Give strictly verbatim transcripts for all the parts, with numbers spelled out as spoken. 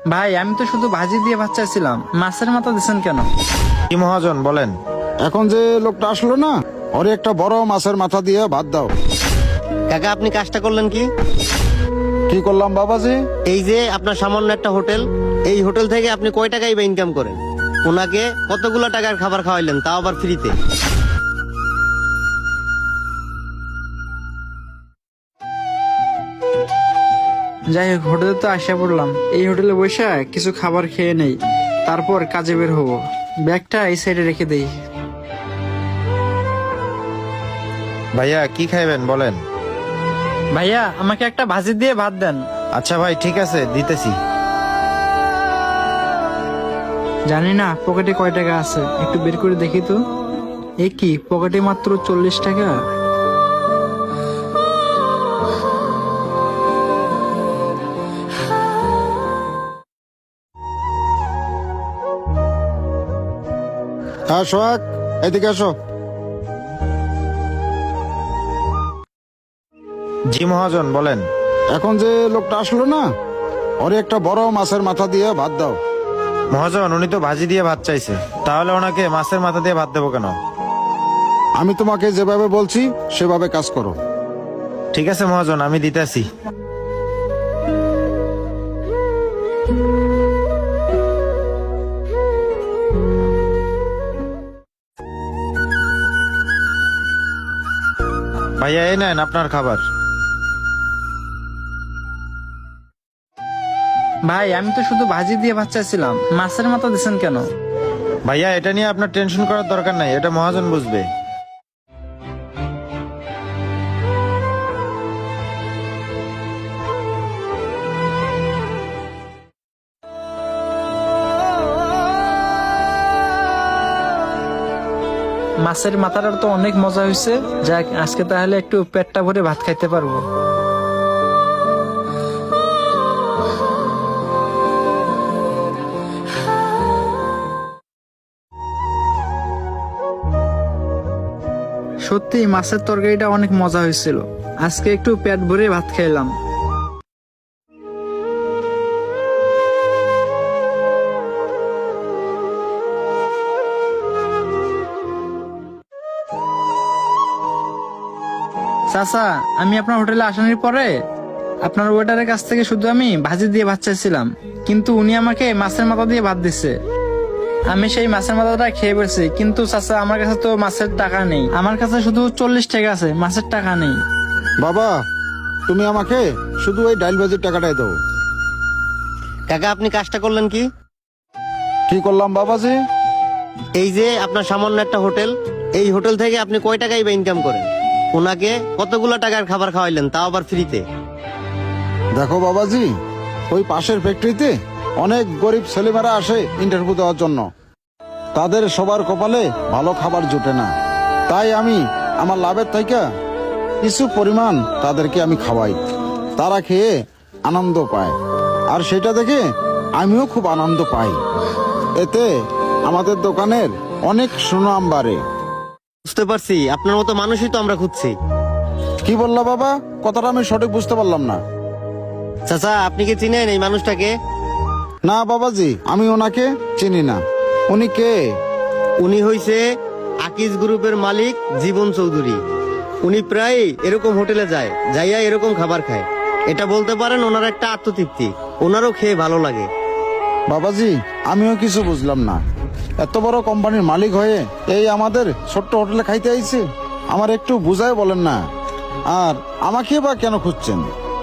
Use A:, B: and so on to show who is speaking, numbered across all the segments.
A: ভাই আমি তো শুধু ভাজি দিয়ে ভাত চাইছিলাম, মাছের মাথা দিচ্ছেন কেন?
B: কি মহাজন বলেন?
C: এখন যে লোকটা আসলো না, ওরে একটা বড় মাছের মাথা দিয়ে ভাত দাও।
D: কাকা আপনি কাজটা করলেন কি?
C: কি করলাম বাবাজি?
D: এই যে আপনার সামান্য একটা হোটেল, এই হোটেল থেকে আপনি কয় টাকাই বা ইনকাম করেন? ওনাকে কতগুলো টাকার খাবার খাওয়াইলেন, তাও আবার ফ্রিতে।
A: যাই হোক, হোটেলে তো আসা পড়লাম, এই হোটেলে বসে কিছু খাবার খেয়ে নেই, তারপর কাজে বের হবো। ব্যাগটা এই সাইডে রেখে দেই।
B: ভাইয়া কি খাইবেন বলেন?
A: ভাইয়া আমাকে একটা ভাজি দিয়ে ভাত দেন।
B: আচ্ছা ভাই ঠিক আছে, দিতেছি।
A: জানি না পকেটে কয় টাকা আছে, একটু বের করে দেখি তো। এ কি, পকেটে মাত্র চল্লিশ টাকা।
C: হ্যাঁ সোহাগ, এদিকে আসো।
B: জি মহাজন বলেন।
C: এখন যে লোকটা আসলো না, ওরে একটা বড় মাছের মাথা দিয়ে ভাত দাও।
B: মহাজন উনি তো ভাজি দিয়ে ভাত চাইছে, তাহলে ওনাকে মাছের মাথা দিয়ে ভাত দেবো কেন?
C: আমি তোমাকে যেভাবে বলছি সেভাবে কাজ করো।
B: ঠিক আছে মহাজন, আমি দিতেছি। ভাইয়া এই নেন আপনার খাবার।
A: ভাই আমি তো শুধু ভাজি দিয়ে ভাত চাইছিলাম, মাছের মাথা দিচ্ছেন কেন?
B: ভাইয়া এটা নিয়ে আপনার টেনশন করার দরকার নাই, এটা মহাজন বুঝবে।
A: মাছের মাথাটার তো অনেক মজা হয়েছে। যাক, আজকে তাহলে একটু পেটটা ভরে ভাত খাইতে পারবো। সত্যি মাছের তরকারিটা অনেক মজা হয়েছিল, আজকে একটু পেট ভরে ভাত খাইলাম। চাচা, আমি আপনার হোটেলে আসানোর পরে আপনার ওয়েটারের কাছ থেকে শুধু আমি ভাজি দিয়ে ভাত চাইছিলাম, কিন্তু উনি আমাকে মাছের মাথা দিয়ে ভাত দিচ্ছে। আমি সেই মাছের মাথাটা খেয়ে ফেলছি, কিন্তু চাচা আমার কাছে তো মাছের টাকা নেই, আমার কাছে শুধু চল্লিশ টাকা আছে, মাছের টাকা নেই।
C: বাবা, তুমি আমাকে শুধু ওই ডাইল ভাজির টাকাটাই দাও।
D: কাকা আপনি কাজটা করলেন কি?
C: কি করলাম বাবাজি?
D: এই যে আপনার সামান্য একটা হোটেল, এই হোটেল থেকে আপনি কয় টাকাই বা ইনকাম করেন? ওনাকে কতগুলো টাকার খাবার খাওয়াইলেন, তাও আবার ফ্রিতে।
C: দেখো বাবাজি, ওই পাশের ফ্যাক্টরিতে অনেক গরিব ছেলেমেয়েরা আসে ইন্টারভিউ দেওয়ার জন্য। তাদের সবার কপালে ভালো খাবার জোটে না, তাই আমি আমার লাভের থেকে কিছু পরিমাণ তাদেরকে আমি খাওয়াই। তারা খেয়ে আনন্দ পায়, আর সেটা দেখে আমিও খুব আনন্দ পাই। এতে আমাদের দোকানের অনেক সুনাম বাড়ে।
D: বুঝতে পারছি, আপনার মতো মানুষই তো আমরা খুঁজছি।
C: কি বললা বাবা? কথাটা আমি সঠিক বুঝতে পারলাম না।
D: চাচা আপনি কি চিনেন এই মানুষটাকে?
C: না বাবাজি, আমি ওনাকে চিনি না। উনি কে?
D: উনি হইছে আকিজ গ্রুপের মালিক জীবন চৌধুরী। উনি প্রায় এরকম হোটেলে যায়, যাইয়া এরকম খাবার খায়। এটা বলতে পারেন ওনার একটা আত্মতৃপ্তি, ওনারও খেয়ে ভালো লাগে।
C: বাবাজি, আমিও কিছু বুঝলাম না। এত বড় কোম্পানির মালিক হয়ে এই আমাদের ছোট্ট হোটেলে খাইতে আইছে? আমার একটু বুঝায় বলেন না। আর আমাকে বা কেন খুঁজছেন?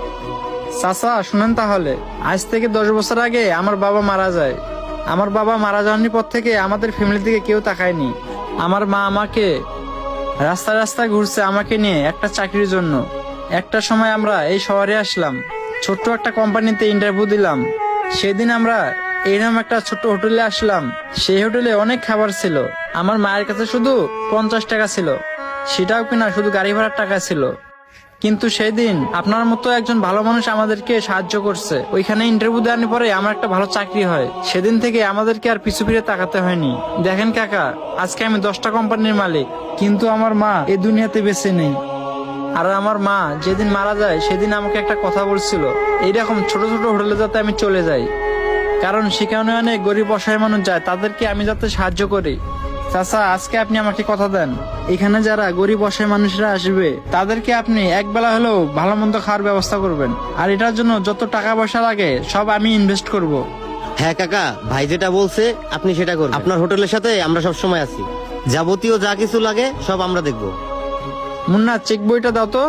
A: চাচা শুনেন তাহলে, আজ থেকে দশ বছর আগে আমার বাবা মারা যায়। আমার বাবা মারা যাওয়ার পর থেকে আমাদের ফ্যামিলি থেকে কেউ তাকায়নি। আমার মা আমাকে রাস্তায় রাস্তায় ঘুরছে আমাকে নিয়ে একটা চাকরির জন্য। একটা সময় আমরা এই শহরে আসলাম, ছোট্ট একটা কোম্পানিতে ইন্টারভিউ দিলাম। সেদিন আমরা এইরকম একটা ছোট্ট হোটেলে আসলাম। সেই হোটেলে অনেক খাবার ছিল। আমার মায়ের কাছে শুধু পঞ্চাশ টাকা ছিল, সেটাও কিনা শুধু গাড়ি ভাড়ার টাকা ছিল। কিন্তু সেই দিন আপনার মতো একজন ভালো মানুষ আমাদেরকে সাহায্য করছে। ওইখানে ইন্টারভিউ দেওয়ার পরে আমার একটা ভালো চাকরি হয়। সেদিন থেকে আমাদেরকে আর পিছু ফিরে তাকাতে হয়নি। দেখেন কাকা, আজকে আমি দশটা কোম্পানির মালিক, কিন্তু আমার মা এই দুনিয়াতে বেঁচে নেই। আর আমার মা যেদিন মারা যায় সেদিন আমাকে একটা কথা বলছিল, এইরকম ছোট ছোট হোটেলে যাতে আমি চলে যাই। কারণ সেখানে অনেক গরিব অসহায় মানুষ যায়, তাদেরকে আমি যাতে সাহায্য করি। চাচা, আজকে আপনি আমাকে কথা দেন, এখানে যারা গরিব অসহায় মানুষরা আসবে তাদেরকে আপনি এক বেলা হলেও ভালো মন্দ খাওয়ার ব্যবস্থা করবেন, আর এটার জন্য যত টাকা পয়সা লাগে সব আমি ইনভেস্ট করব।
D: হ্যাঁ কাকা, ভাই যেটা বলছে আপনি সেটা করুন। আপনার হোটেলের সাথে আমরা সব সময় আছি, যাবতীয় যা কিছু লাগে সব আমরা দেখব।
A: মুন্না, চেক বইটা দাও তো।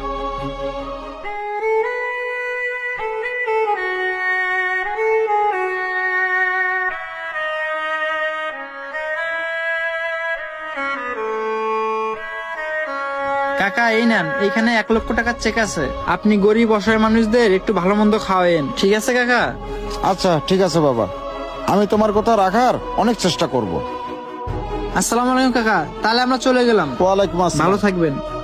A: কাকা, এই নেন, এইখানে এক লক্ষ টাকার চেক আছে। আপনি গরিব অসহায় মানুষদের একটু ভালো মন্দ খাওয়ায়েন, ঠিক আছে কাকা?
C: আচ্ছা ঠিক আছে বাবা, আমি তোমার কথা রাখার অনেক চেষ্টা করব।
A: আসসালামু আলাইকুম কাকা, তাহলে আমরা চলে গেলাম।
C: ওয়ালাইকুম আসসালাম।
A: ভালো থাকবেন।